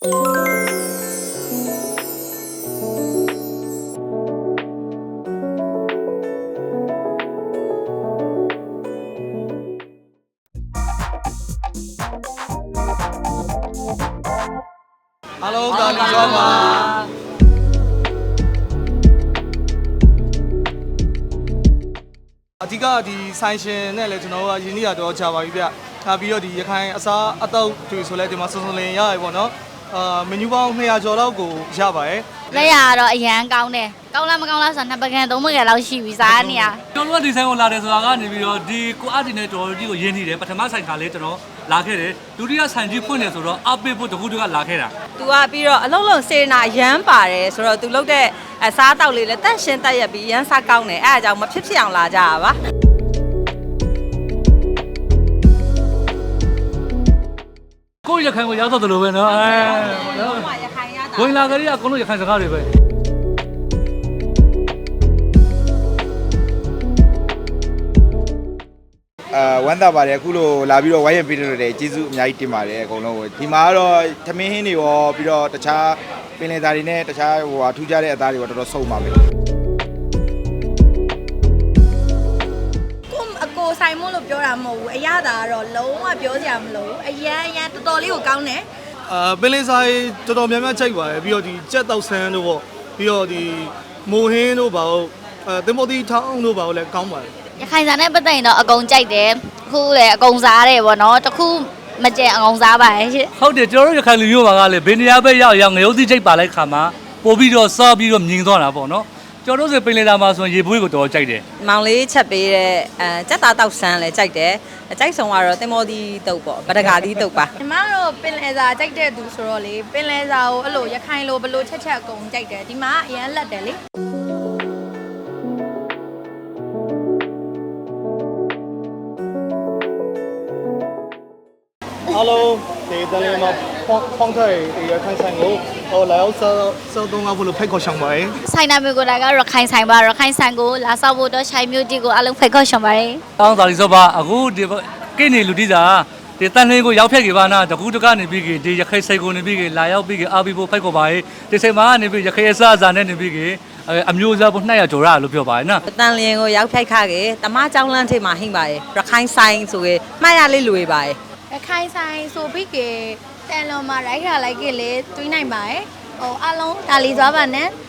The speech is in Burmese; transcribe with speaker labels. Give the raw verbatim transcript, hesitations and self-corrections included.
Speaker 1: Hello， 大家好嘛。အဓိကဒီဆိုင်ရှင်နဲ့လည်းကျွန်တော်တို့ကယင်းနေရတော့ကြာပါပြီဗျ။ထားပြီးတော့ဒီရခိုင်အစားအသောက်တွေဆိုလဲဒီမှာစုံစုံလင်ရရပေါ့နော်။အာမနူပေါင်းနှစ်ရာကျော်လောက်ကိုရပါရဲ့။
Speaker 2: လက်ရတော့အရန်ကောင်းတယ်။ကောင်းလားမကောင်းလားဆိုတော့နှစ်ပကံသုံးပကံလောက်ရှိပြီစားနေရ။
Speaker 3: ကျွန်တော်တို့ဒီဆိုင်ကိုလာတယ်ဆိုတာကနေပြီးတော့ဒီကိုအပ်တင်နဲ့တော်တော်ကြီးကိုရင်းနေတယ်ပထမဆိုင်ခါလေးကျွန်တော်လာခဲ့တယ်ဒုတိယဆိုင်ကြီးဖွင့်တယ်ဆိုတော့အပိဖို့တခုတကလာခဲ့တာ
Speaker 4: तू ကပြီးတော့အလုံးလုံးစေနာရမ်းပါတယ်ဆိုတော့ तू လုတ်တဲ့အစားတောက်လေးလည်းတန့်ရှင်းတက်ရက်ပြီးရမ်းစားကောင်းတယ်အဲအကြောင်းမဖြစ်ဖြစ်အောင်လာကြတာပါ
Speaker 3: ကိုရခိုင်ကိုရောက်တော့တယ်လို့ပဲနော်အဲ
Speaker 4: ရခိုင်ရတာ
Speaker 3: ဝင်လာကြရအကုန်လုံးရခိုင်စကားတွေပဲ
Speaker 5: အာဝမ်းသာပါတယ်အခုလိုလာပြီးတော့ဝိုင်းရပေးလို့တယ်ကျေးဇူးအများကြီးတင်ပါတယ်အကုန်လုံးကိုဒီမှာကတော့သမင်းဟင်းတွေရောပြီးတော့တခြားပင်လယ်သားတွေနဲ့တခြားဟိုဟာထူးခြားတဲ့အသားတွေရောတော်တော်စုံပါပဲ
Speaker 6: ကိုအကိုဆိုင်မို့လို့ပြောတာမဟုတ်ဘူးအရသာကတော့လုံးဝပြောစရာမလိုဘူးအရန်အရန်တော်တော်လေးကိုကောင်းတယ်
Speaker 1: အာပင်လယ်ဆိုင်တော်တော်များများချိန်ပါတယ်ပြီးတော့ဒီကြက်တောက်ဆန်းတို့ပေါ့ပြီးတော့ဒီမိုဟင်းတို့ပါဟုတ်အဲတင်မိုတီထောင်းတို့ပါဟုတ်လည်းကောင်းပါတယ်
Speaker 2: ရခိုင်စားနဲ့ပတ်သက်ရင်တော့အကုန်ကြိုက်တယ်အခုလည်းအကုန်စားတယ်ပေါ့နော်တခုမကျန်အကုန်စားပါရဲ့ရှင့်
Speaker 3: ဟုတ်တယ်ကျွန်တော်တို့ရခိုင်လူမျိုးပါကလည်းဘယ်နေရာပဲရောက်ရောက်ငရုတ်သီးချိတ်ပါလိုက်ခါမှာပို့ပြီးတော့စားပြီးတော့မြင်သွားတာပေါ့နော်ကျွန်တော်တို့ဆိုပင်လယ်သားမှာဆိုရင်ရေပွေးကိုတော်တော်ကြိုက်တယ်
Speaker 4: မောင်လေးချက်ပေးတဲ့အဲစက်သားတောက်ဆန်းလည်းကြိုက်တယ်အကြိုက်ဆုံးကတော့တင်မောသီးတုပ်ပေါ့ဗဒကာသီးတုပ်ပါ
Speaker 6: ဒီမှာတော့ပင်လယ်စာကြိုက်တဲ့သူဆိုတော့လေပင်လယ်စာကိုအဲ့လိုရခိုင်လိုဘလို့ချက်ချက်အကုန်ကြိုက်တယ်ဒီမှာအရန်လက်တယ်လေ
Speaker 1: Hello， ဒီတလေးမှာဖောင်းဖောင်းထိုင်ဒီရခိုင်ဆိုင်ကိုဟိုလာရောက်စောစောတုံးကဘလို့ဖိတ်ခေါ်ဆောင်ပါရဲ့
Speaker 2: ဆိုင်နာမျိုးကိုလည်းကရခိုင်ဆိုင်ပါရခိုင်ဆိုင်ကိုလာဆောက်ဖို့တော့ရှိုင်မျိုးတီကိုအလုံးဖိတ်ခေါ်ရှောင်ပါတယ်
Speaker 3: တောင်းသာလီစောပါအခုဒီကိနေလူတိစာဒီတန်လင်းကိုရောက်ဖြတ်ကြပါနာတကူတကနေပြီးဒီရခိုင်ဆိုင်ကိုနေပြီးလာရောက်ပြီးအာဘီဖို့ဖိတ်ခေါ်ပါရဲ့ဒီဆိုင်မှာနေပြီးရခိုင်အစားအစာနဲ့နေပြီးအမျိုးစားဖို့နှစ်ရာကျော်ရလို့ပြောပါရဲ့နော်
Speaker 4: တန်လျင်ကိုရောက်ဖြိုက်ခခဲ့တမเจ้าလန်းထိပ်မှာဟိမ့်ပါတယ်ရခိုင်ဆိုင်ဆိုရင်မှားရလေးလွေပါတယ်
Speaker 6: ရခိုင်ဆိုင်ဆိုပြီးကတန်လွန်မှာရိုက်ခါလိုက်ကလေးတွေးနိုင်ပါရဲ့ဟိုအလုံးဒါလီသွားပါနဲ့